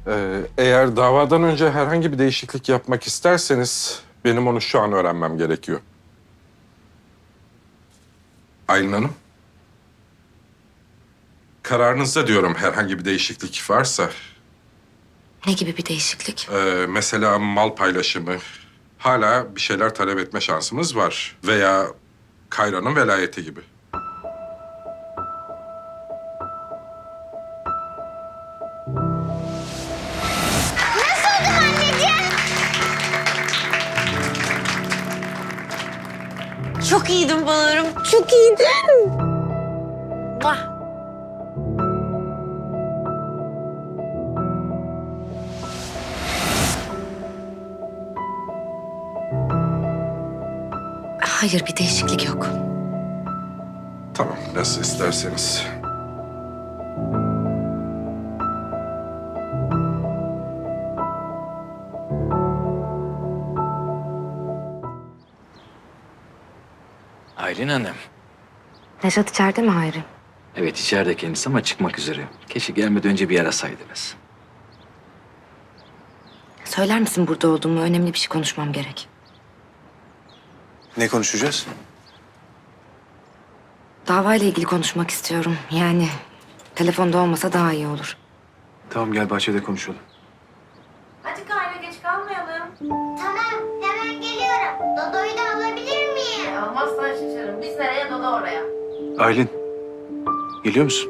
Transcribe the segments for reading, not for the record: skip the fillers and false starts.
Eğer davadan önce herhangi bir değişiklik yapmak isterseniz benim onu şu an öğrenmem gerekiyor. Aylin Hanım. Kararınızda diyorum herhangi bir değişiklik varsa. Ne gibi bir değişiklik? Mesela mal paylaşımı. Hala bir şeyler talep etme şansımız var. Veya Kayra'nın velayeti gibi. Çok iyiydin Bahar'ım. Çok iyiydin. Vah. Hayır, bir değişiklik yok. Tamam, nasıl isterseniz. Aylin Hanım. Nejat içeride mi Hayri? Evet içeride kendisi ama çıkmak üzere. Keşke gelmeden önce bir arasaydınız. Söyler misin burada olduğumu? Önemli bir şey konuşmam gerek. Ne konuşacağız? Davayla ilgili konuşmak istiyorum. Yani telefonda olmasa daha iyi olur. Tamam gel bahçede konuşalım. Hadi Kayra geç kalmayalım. Tamam, hemen geliyorum. Dodo'yu da alabilir miyim? Almazsan şaşırırım. Biz nereye Dodo oraya. Aylin, geliyor musun?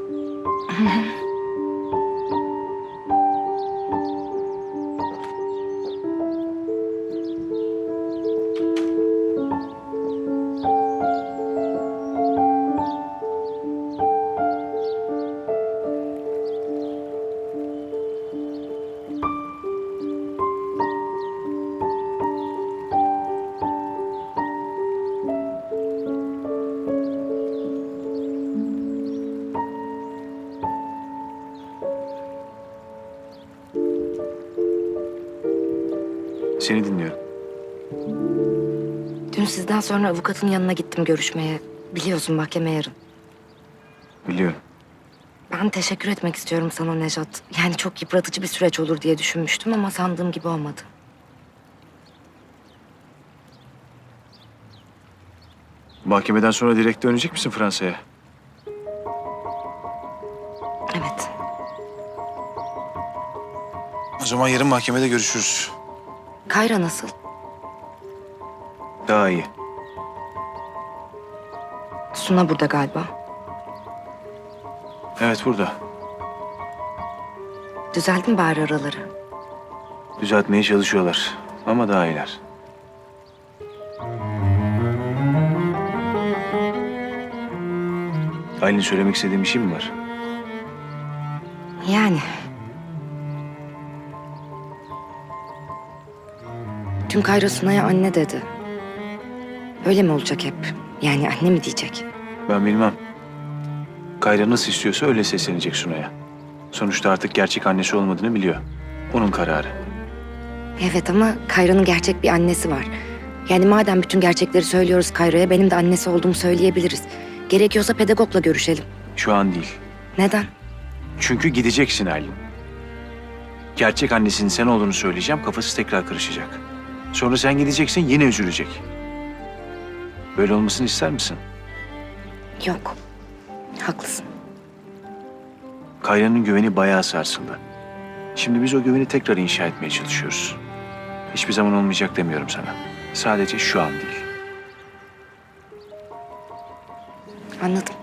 Seni dinliyorum. Dün sizden sonra avukatın yanına gittim görüşmeye. Biliyorsun mahkeme yarın. Biliyorum. Ben teşekkür etmek istiyorum sana Nejat. Yani çok yıpratıcı bir süreç olur diye düşünmüştüm ama sandığım gibi olmadı. Mahkemeden sonra direkt dönecek misin Fransa'ya? Evet. O zaman yarın mahkemede görüşürüz. Kayra nasıl? Daha iyi. Suna burada galiba. Evet burada. Düzeldi mi bari araları? Düzeltmeye çalışıyorlar ama daha iyiler. Aylin söylemek istediğin bir şey mi var? Yani. Dün Kayra Suna'ya anne dedi. Öyle mi olacak hep? Yani anne mi diyecek? Ben bilmem. Kayra nasıl istiyorsa öyle seslenecek Sunay'a. Sonuçta artık gerçek annesi olmadığını biliyor. Onun kararı. Evet ama Kayra'nın gerçek bir annesi var. Yani madem bütün gerçekleri söylüyoruz Kayra'ya benim de annesi olduğumu söyleyebiliriz. Gerekiyorsa pedagogla görüşelim. Şu an değil. Neden? Çünkü gideceksin Aylin. Gerçek annesinin sen olduğunu söyleyeceğim, kafası tekrar karışacak. Sonra sen gideceksin, yine üzülecek. Böyle olmasını ister misin? Yok. Haklısın. Kayra'nın güveni bayağı sarsıldı. Şimdi biz o güveni tekrar inşa etmeye çalışıyoruz. Hiçbir zaman olmayacak demiyorum sana. Sadece şu an değil. Anladım.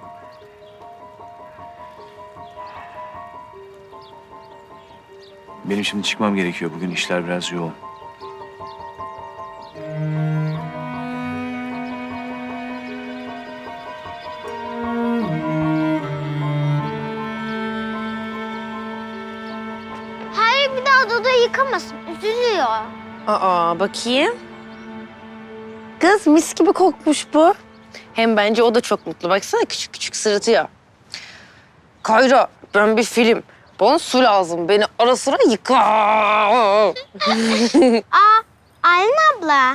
Benim şimdi çıkmam gerekiyor. Bugün işler biraz yoğun. Hayır, bir daha Dodo yıkamasın. Üzülüyor. Aa bakayım. Kız mis gibi kokmuş bu. Hem bence o da çok mutlu. Baksana küçük küçük sırıtıyor. Kayra ben bir film. Bana su lazım. Beni ara sıra yıka. Aylin abla.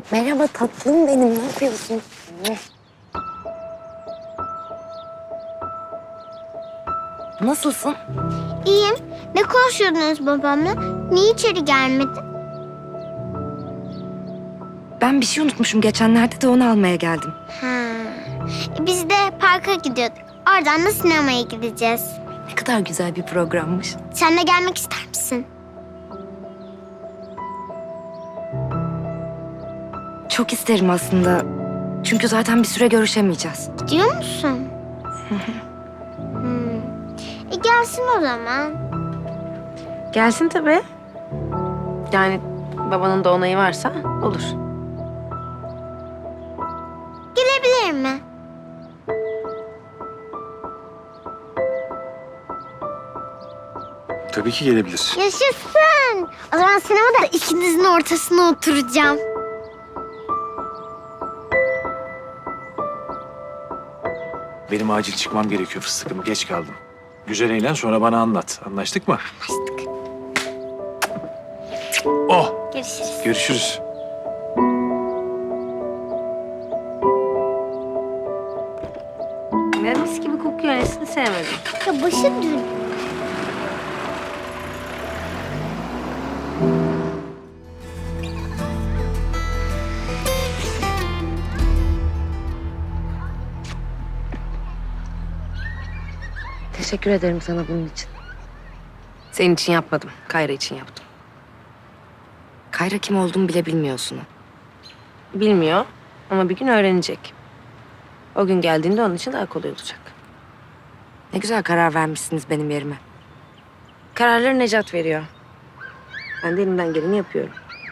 Merhaba tatlım benim. Ne yapıyorsun? Nasılsın? İyiyim. Ne konuşuyordunuz babamla? Niye içeri gelmedin? Ben bir şey unutmuşum. Geçenlerde de onu almaya geldim. Ha. Biz de parka gidiyorduk. Oradan da sinemaya gideceğiz. Ne kadar güzel bir programmış. Sen de gelmek ister misin? Çok isterim aslında. Çünkü zaten bir süre görüşemeyeceğiz. Gidiyor musun? Gelsin o zaman. Gelsin tabii. Yani babanın da onayı varsa olur. Gelebilir mi? Tabii ki gelebilir. Yaşasın. O zaman sinemada ikinizin ortasına oturacağım. Benim acil çıkmam gerekiyor fıstıkım. Geç kaldım. Güzel eğlen sonra bana anlat. Anlaştık mı? Anlaştık. Oh! Görüşürüz. Görüşürüz. Ya mis gibi kokuyor. Nesini sevmedim. Ya başı dün. Teşekkür ederim sana bunun için. Senin için yapmadım. Kayra için yaptım. Kayra kim olduğumu bile bilmiyorsun. Bilmiyor ama bir gün öğrenecek. O gün geldiğinde onun için daha kolay olacak. Ne güzel karar vermişsiniz benim yerime. Kararları Necat veriyor. Ben de elimden geleni yapıyorum.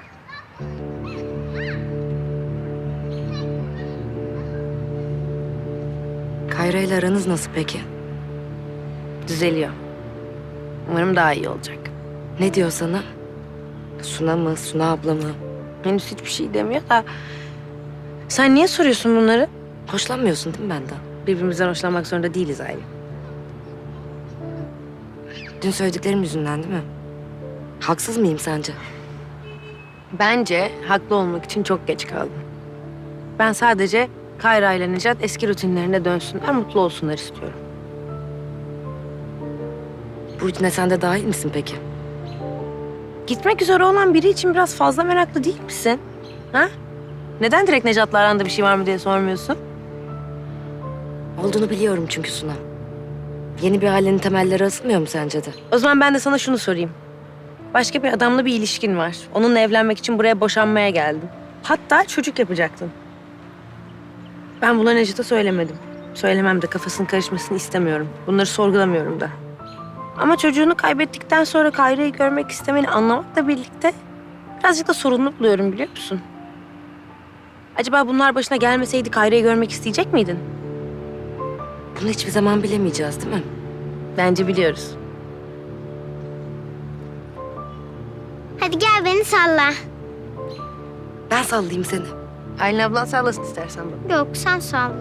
Kayra ile aranız nasıl peki? Düzeliyor. Umarım daha iyi olacak. Ne diyor sana? Suna mı, Suna abla mı? Henüz hiçbir şey demiyor da... Sen niye soruyorsun bunları? Hoşlanmıyorsun değil mi benden? Birbirimizden hoşlanmak zorunda değiliz Aylin. Dün söylediklerim yüzünden değil mi? Haksız mıyım sence? Bence haklı olmak için çok geç kaldım. Ben sadece Kayra ile Necat eski rutinlerine dönsünler, mutlu olsunlar istiyorum. Bu rutine sen de dahil misin peki? Gitmek üzere olan biri için biraz fazla meraklı değil misin? Ha? Neden direkt Necat'la aranda bir şey var mı diye sormuyorsun? Olduğunu biliyorum çünkü Suna. Yeni bir ailenin temelleri atılmıyor mu sence de? O zaman ben de sana şunu sorayım. Başka bir adamla bir ilişkin var. Onunla evlenmek için buraya boşanmaya geldin. Hatta çocuk yapacaktın. Ben bunları Necat'a söylemedim. Söylemem de kafasının karışmasını istemiyorum. Bunları sorgulamıyorum da. Ama çocuğunu kaybettikten sonra Kayra'yı görmek istemeni anlamakla birlikte birazcık da sorunlu buluyorum biliyor musun? Acaba bunlar başına gelmeseydi Kayra'yı görmek isteyecek miydin? Bunu hiçbir zaman bilemeyeceğiz değil mi? Bence biliyoruz. Hadi gel beni salla. Ben sallayayım seni. Aylin ablan sallasın istersen bana. Yok sen salla.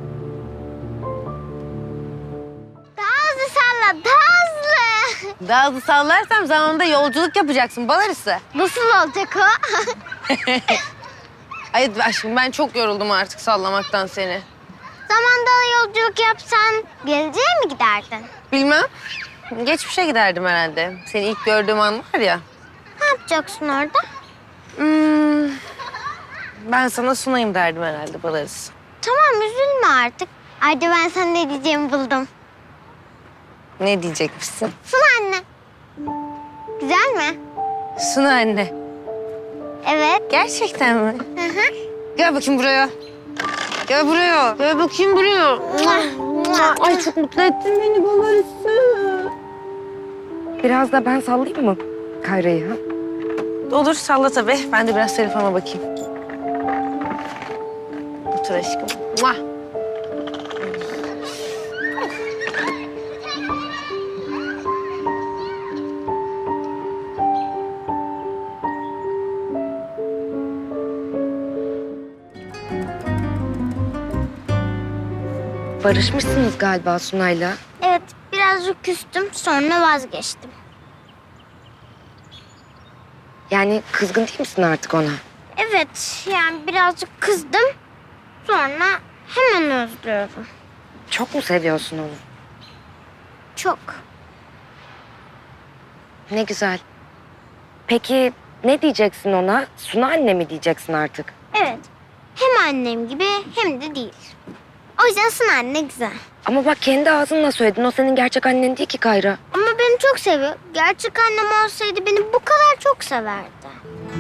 Daha hızlı salla, daha hızlı. Daha hızlı sallarsam zamanında yolculuk yapacaksın balarısı. Nasıl olacak o? Ay aşkım ben çok yoruldum artık sallamaktan seni. Zamanda yolculuk yapsan geleceğe mi giderdin? Bilmem. Geçmişe giderdim herhalde. Seni ilk gördüğüm an var ya. Ne yapacaksın orada? Ben sana sunayım derdim herhalde balarız. Tamam üzülme artık. Ayrıca ben sana ne diyeceğimi buldum. Ne diyecekmişsin? Suna anne. Güzel mi? Suna anne. Evet. Gerçekten mi? Hı hı. Gel bakayım buraya. Gel buraya. Gel bakayım buraya. Ay çok mutlu ettin beni balarısı. Biraz da ben sallayayım mı Kayra'yı? Ha? Olur salla tabii. Ben de biraz telefona bakayım. Otur aşkım. Muah. Barışmışsınız galiba Suna'yla. Evet birazcık küstüm sonra vazgeçtim. Yani kızgın değil misin artık ona? Evet, yani birazcık kızdım. Sonra hemen özlüyorum. Çok mu seviyorsun onu? Çok. Ne güzel. Peki ne diyeceksin ona? Suna anne mi diyeceksin artık? Evet. Hem annem gibi hem de değil. O yüzden Suna anne güzel. Ama bak kendi ağzınla söyledin. O senin gerçek annen değil ki Kayra. Ama beni çok seviyor. Gerçek annem olsaydı beni bu kadar çok severdi.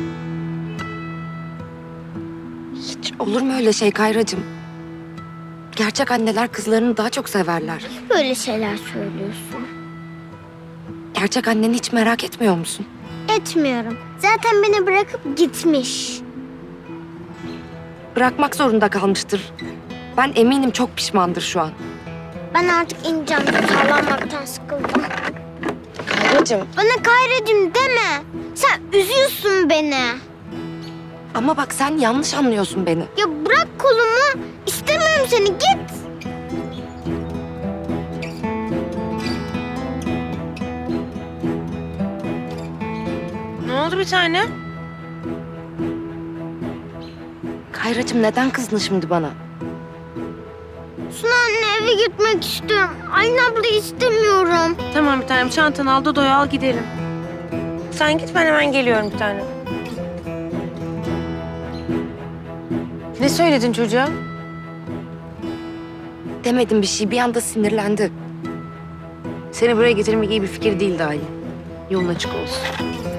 Hiç olur mu öyle şey Kayracığım? Gerçek anneler kızlarını daha çok severler. Böyle şeyler söylüyorsun. Gerçek anneni hiç merak etmiyor musun? Etmiyorum. Zaten beni bırakıp gitmiş. Bırakmak zorunda kalmıştır. Ben eminim çok pişmandır şu an. Ben artık ineceğim. Sallanmaktan sıkıldım. Kayracığım. Bana Kayracığım deme. Sen üzüyorsun beni. Ama bak sen yanlış anlıyorsun beni. Ya bırak kolumu. İstemiyorum seni. Git. Ne oldu bir tane? Kayracığım neden kızdın şimdi bana? Suna anne eve gitmek istiyorum. Aynı abla istemiyorum. Tamam bir tanem, çantanı al, Dodo'yu al, gidelim. Sen git, ben hemen geliyorum bir tane. Ne söyledin çocuğa? Demedim bir şey. Bir anda sinirlendi. Seni buraya getirmek iyi bir fikir değildi Aylin. Yolun açık olsun.